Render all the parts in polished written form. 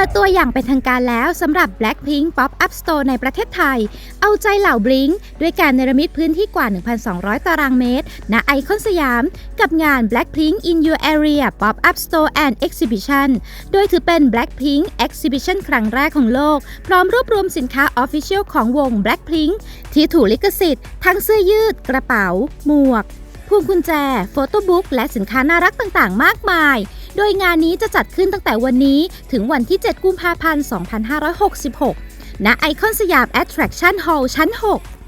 ดตัวอย่างเป็นทางการแล้วสำหรับ Blackpink Pop-up Store ในประเทศไทยเอาใจเหล่า Blink ด้วยการเนรมิตพื้นที่กว่า 1,200 ตารางเมตรณไอคอนสยามกับงาน Blackpink in Your Area Pop-up Store and Exhibition โดยถือเป็น Blackpink Exhibition ครั้งแรกของโลกพร้อมรวบรวมสินค้า Official ของวง Blackpink ที่ถูกลิขสิทธิ์ทั้งเสื้อยืดกระเป๋าหมวกพวงกุญแจโฟโต้บุ๊กและสินค้าน่ารักต่างๆมากมายโดยงานนี้จะจัดขึ้นตั้งแต่วันนี้ถึงวันที่ 7 กุมภาพันธ์ 2566 ณ ไอคอนสยาม Attraction Hall ชั้น 6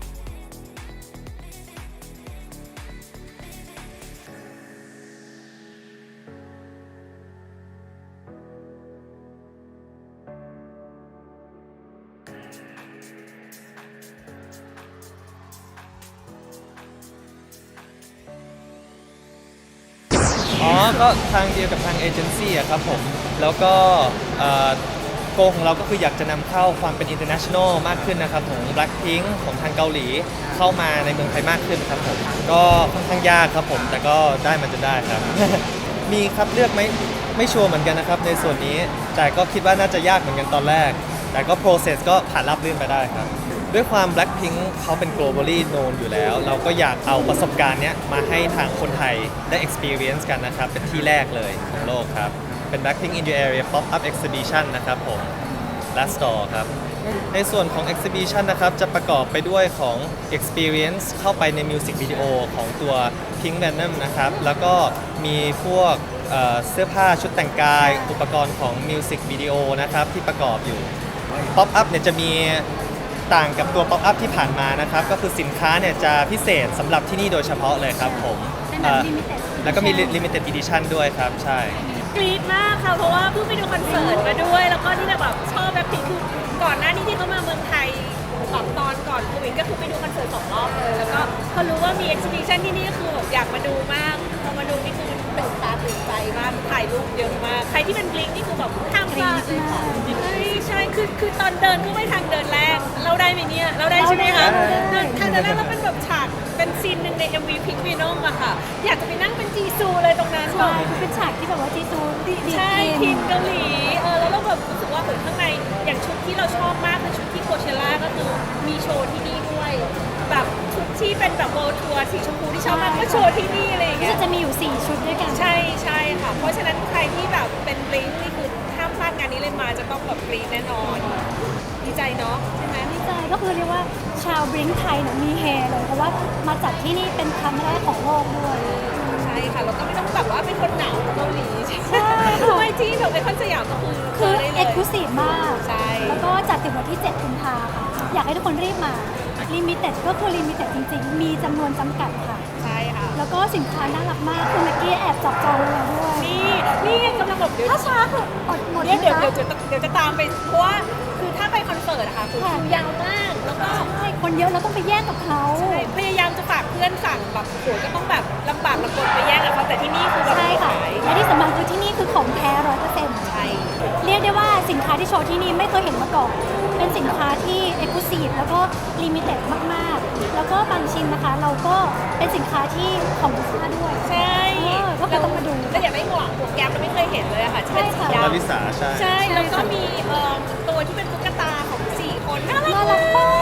ก็ทางเดียวกับทางเอเจนซี่ครับผมแล้วก็โกของเราก็คืออยากจะนำเข้าความเป็น international มากขึ้นนะครับของ Blackpink ของทางเกาหลีเข้ามาในเมืองไทยมากขึ้นครับผมก็ค่อนข้างยากครับผมแต่ก็ได้มันจะได้ครับ มีครับเลือกไหมไม่ชัวร์เหมือนกันนะครับในส่วนนี้แต่ก็คิดว่าน่าจะยากเหมือนกันตอนแรกแต่ก็ process ก็ผ่านราบรื่นไปได้ครับด้วยความ Blackpink เขาเป็น globally known อยู่แล้วเราก็อยากเอาประสบการณ์เนี้ยมาให้ทางคนไทยได้ experience กันนะครับเป็นที่แรกเลยของโลกครับเป็น Blackpink in Your Area Pop-up Exhibition นะครับผมและ Store ครับในส่วนของ Exhibition นะครับจะประกอบไปด้วยของ experience เข้าไปใน Music Video ของตัว Pink Venom นะครับแล้วก็มีพวกเสื้อผ้าชุดแต่งกายอุปกรณ์ของ Music Video นะครับที่ประกอบอยู่ Pop-up เนี่ยจะมีต่างกับตัว Pop-up ที่ผ่านมานะครับก็คือสินค้าเนี่ยจะพิเศษสำหรับที่นี่โดยเฉพาะเลยครับผมแล้วก็มี Limited Edition ด้วยครับใช่กรี๊ดมากค่ะเพราะว่าเพิ่งไปดูคอนเสิร์ตมาด้วยแล้วก็ที่แบบชอบแบบคือก่อนหน้านี้ที่เขามาเมืองไทยตอนก่อนโควิดก็คือไปดูคอนเสิร์ต2 รอบเลยแล้วก็พอรู้ว่ามีเอ็กซิบิชันที่นี่ก็คืออยากมาดูมากพอมาดูนี่คือตื่นตาตื่นใจมากถ่ายรูปเยอะมากใครที่เป็นบลิงนี่คือแบบห้ามพลาดเลยค่ะใช่คือตอนเดินก็ไม่ทางเดินแรกเราได้ไหมเนี่ยเราได้ใช่ไหมคะทางเดินแรกเราเป็นแบบฉากเป็นซีนหนึ่งใน MV Pink Venom อะค่ะอยากจะไปนั่งเป็นจีซูเลยตรงนั้นใช่คือเป็นฉากที่แบบว่าจีซูดีใช่ทีมเกาหลีแล้วเราแบบรู้สึกว่าเหมือนข้างในอย่างชุดที่เราชอบมากคือชุดที่โคเชล่าก็คือมีโชว์ที่นี่ด้วยแบบชุดที่เป็นแบบเวิลด์ทัวร์สีชมพูที่ชอบมากก็โชว์ที่นี่อะไรอย่างเงี้ยจะมีอยู่4ชุดด้วยกันใช่ค่ะเพราะฉะนั้นใครที่แบบเป็นบลิงนี่คือห้ามพลาดงานนี้เลยมาจะต้องแบบบลิงแน่นอนดีใจเนาะใช่ไหมดีใจก็คือเรียกว่าชาวบลิงไทยเนี่ยมีเฮเลยเพราะว่ามาจัดที่นี่เป็นครั้งแรกของโลกด้วยใช่ค่ะแล้วก็ไม่ต้องแบบว่าเป็นคนหนาวเกาหลีใช่ไม่ที่แบบในคอนสยามก็คือเอ็กซ์คลูซีฟมากใช่แล้วก็จัดถึงวันที่7 กุมภาพันธ์ค่ะอยากให้ทุกคนรีบมาลิมิเต็ดก็คือลิมิเต็ดจริงๆมีจำนวนจำกัดค่ะใช่ค่ะแล้วก็สินค้าน่ารักมากคือเมื่อกี้แอบจับจองมาด้วยนี่กำลังแบบถ้าช้าคืออดหมดเดี๋ยวจะตามไปเพราะว่าคือถ้าไปคอนเสิร์ตอะค่ะคือคิวยาวมากแล้วก็ใช่คนเยอะเราต้องไปแย่งกับเขาพยายามจะฝากเพื่อนสั่งแบบโหก็ต้องแบบลำบากลำบนไปแย่งกับเขาแต่ที่นี่คือแบบใช่ค่ะและที่สำคัญคือที่นี่คือของแท้100% ใช่เรียกได้ว่าสินค้าที่โชว์ที่นี่ไม่เคยเห็นมาก่อนเป็นสินค้าที่เอ็กซ์คลูซีฟแล้วก็ลิมิเต็ดมากๆแล้วก็บางชิ้นนะคะเราก็เป็นสินค้าที่ของลูกค้าด้วยใช่ก็ต้องมาดูแล้วอย่าไม่หวังแก๊ปเราไม่เคยเห็นเลยอะค่ะที่เป็นสีดำลาลิสาใช่แล้วก็มีตัวที่เป็นตุ๊กตาของ4 คนน่ารักมาก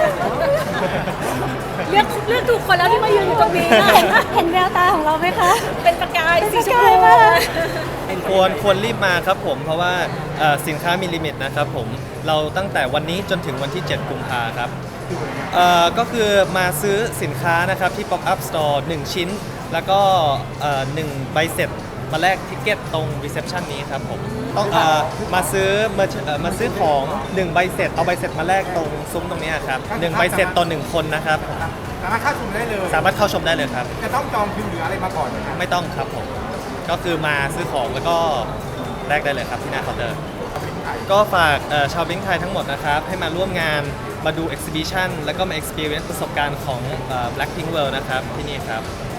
เลือกถูกคนแล้วที่มายืนอยู่ตรงนี้เห็นแววตาของเราไหมคะเป็นประกายสีชมพูควรรีบมาครับผมเพราะว่าสินค้ามีลิมิตนะครับผมเราตั้งแต่วันนี้จนถึงวันที่ 7 กุมภาครับก็คือมาซื้อสินค้านะครับที่ Pop-up Store 1 ชิ้นแล้วก็1 ใบเสร็จมาแลกทิกเก็ตตรง reception นี้ครับผมต้องมาซื้อของ1 ใบเสร็จเอาใบเสร็จมาแลกตรงซุ้มตรงนี้ครับ1 ใบเสร็จต่อ 1 คนนะครับสามารถเข้าชมได้เลยสามารถเข้าชมได้เลยครับจะต้องจองคิวหรืออะไรมาก่อนไหมครับไม่ต้องครับผมก็คือมาซื้อของแล้วก็แลกได้เลยครับที่หน้าเคาน์เตอร์ก็ฝากชาวบลิงก์ไทยทั้งหมดนะครับให้มาร่วมงานมาดู exhibition แล้วก็มา experience ประสบการณ์ของ Blackpink World นะครับที่นี่ครับ